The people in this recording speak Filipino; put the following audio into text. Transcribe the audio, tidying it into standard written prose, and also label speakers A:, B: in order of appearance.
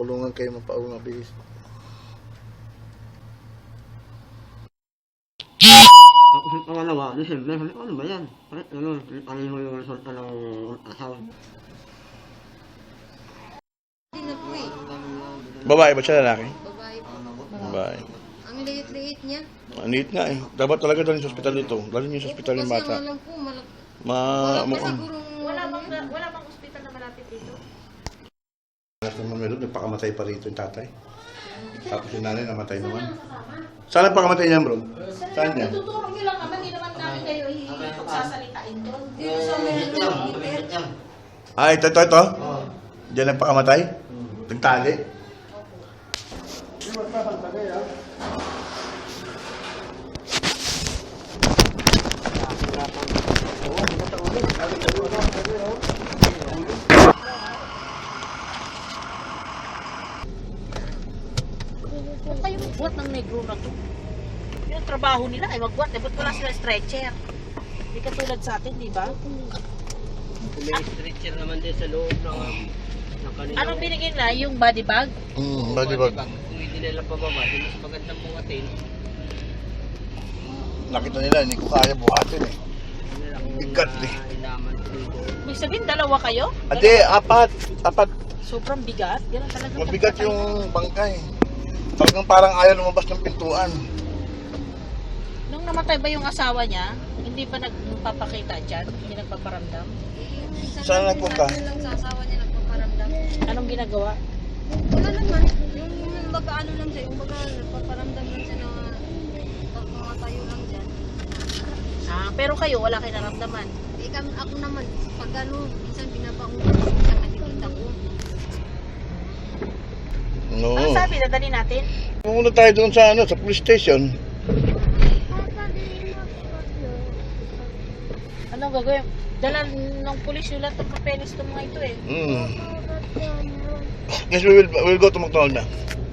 A: tulungan kayo mapauwi mabilis.
B: Tapos yung pangalawa, di siyempre, sabi ko, ano ba yan? Ano yung resulta ng asawa?
C: Hindi na po eh.
A: Babae ba siya, lalaki?
C: Babae po.
A: Babae.
C: Ang liit-liit niya.
A: Ang liit nga eh. Dapat talaga dalhin sa ospital dito. Dalhin niyo sa ospital yung
C: Kasi
A: bata.
C: ang alam po, wala pa
A: Mukhang.
C: sigurong...
D: Wala bang ospital na malapit dito?
A: Naman meron, nagpakamatay pa rito yung tatay. Tapos yung nanay namatay naman. Saan nagpakamatay niya, bro? Saan niya?
D: Tuturo nyo lang naman, hindi naman namin kayo ipagsasalitain doon.
C: Dito sa meron
A: Ah, ito. Diyan nagpakamatay? Nagtali?
D: Huwag kayo magbuhat ng negro na to. Yung trabaho nila ay magbuhat. Eh, ba't wala sila stretcher? Hindi katulad sa atin, di ba?
B: May stretcher naman din sa loob ng kanila.
D: Anong binigay na? Yung body bag?
A: Body bag.
B: Kung hindi nila pababa, di mas magandang buhatin.
A: Nakita nila, hindi ko kaya buhatin eh. Bigat eh.
B: Ilaman dito.
D: Ibig sabihin, dalawa kayo?
A: Ate, apat.
D: Sobrang bigat? Ganun talaga.
A: Mabigat yung bangkay. Talagang parang ayaw lumabas ng pintuan.
D: Nung namatay ba yung asawa niya, hindi ba nagpapakita dyan? Hindi nagpaparamdam?
A: Saan nagpunta?
C: lang sa asawa niya nagpaparamdam.
D: Anong ginagawa?
C: Wala naman. Yung baga ano lang siya, yung baga nagpaparamdam lang siya na pagmatayo lang dyan.
D: Ah, pero kayo, wala kayo naramdaman.
C: Eh ako naman, pag ano, minsan binabangon ko, minsan nakikita ko.
A: No.
D: Ano sabi? Dadali natin?
A: Pumunta tayo doon sa sa police station.
D: Anong gagawin? Dala ng pulis yung lahat ng papeles ng mga ito eh.
A: Yes, we'll go to McDonald's na.